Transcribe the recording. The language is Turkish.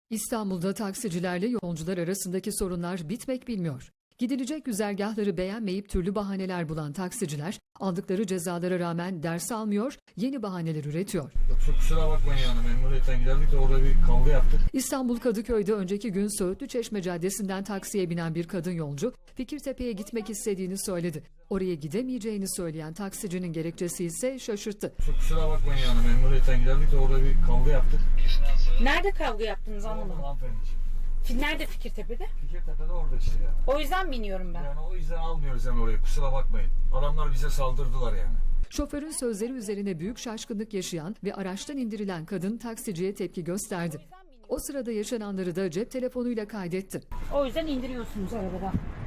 İstanbul'da taksicilerle yolcular arasındaki sorunlar bitmek bilmiyor. Gidilecek güzergahları beğenmeyip türlü bahaneler bulan taksiciler aldıkları cezalara rağmen ders almıyor, yeni bahaneler üretiyor. Çok kusura bakmayın yani memnuniyetten giderdik de orada bir kavga yaptık. İstanbul Kadıköy'de önceki gün Söğütlü Çeşme Caddesi'nden taksiye binen bir kadın yolcu Fikirtepe'ye gitmek istediğini söyledi. Oraya gidemeyeceğini söyleyen taksicinin gerekçesi ise şaşırttı. Çok kusura bakmayın yani memnuniyetten giderdik de orada bir kavga yaptık. Nerede kavga yaptınız anlamadım. Hanımefendiciğim. Nerede Fikirtepe'de? Fikirtepe'de orada işte yani. O yüzden biniyorum ben. Yani o yüzden almıyoruz yani oraya, kusura bakmayın. Adamlar bize saldırdılar yani. Şoförün sözleri üzerine büyük şaşkınlık yaşayan ve araçtan indirilen kadın taksiciye tepki gösterdi. O sırada yaşananları da cep telefonuyla kaydetti. O yüzden indiriyorsunuz arabada.